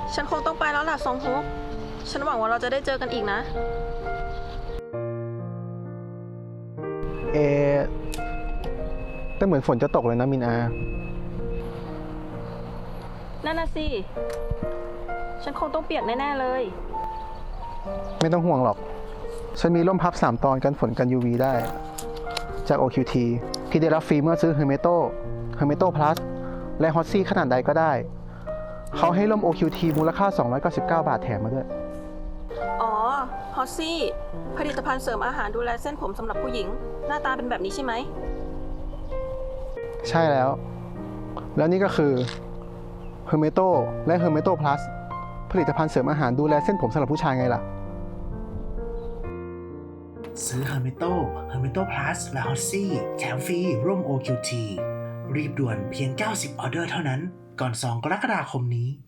ฉันคงต้องไปแล้วล่ะซองฮุกฉันหวังว่าเราจะได้เจอกันอีกนะเอแต่เหมือนฝนจะตกเลยนะมินอานั่นน่ะสิ ฉันคงต้องเปียกแน่ๆเลยไม่ต้องห่วงหรอก ฉันมีร่มพับ 3 ตอนกันฝนกัน UV ได้ จาก OQT ที่ได้รับฟรีเมื่อซื้อ Hermeto Plus และ Hotzi ขนาดใดก็ได้ เขาให้ร่ม OQT มูลค่า 299 บาทแถมมาด้วยอ๋อ ฮอสซี่ ผลิตภัณฑ์เสริมอาหารดูแลเส้นผมสำหรับผู้หญิง หน้าตาเป็นแบบนี้ใช่ไหมใช่แล้ว แล้วนี่ก็คือ Hermeto และ Hermeto Plus ผลิตภัณฑ์เสริมอาหารดูแลเส้นผมสำหรับผู้ชายไงล่ะซื้อ Hermeto Plus และ Hotzi แถมฟรีร่วม OQT รีบด่วนเพียง90 ออเดอร์เท่านั้น ก่อน 2 กรกฎาคมนี้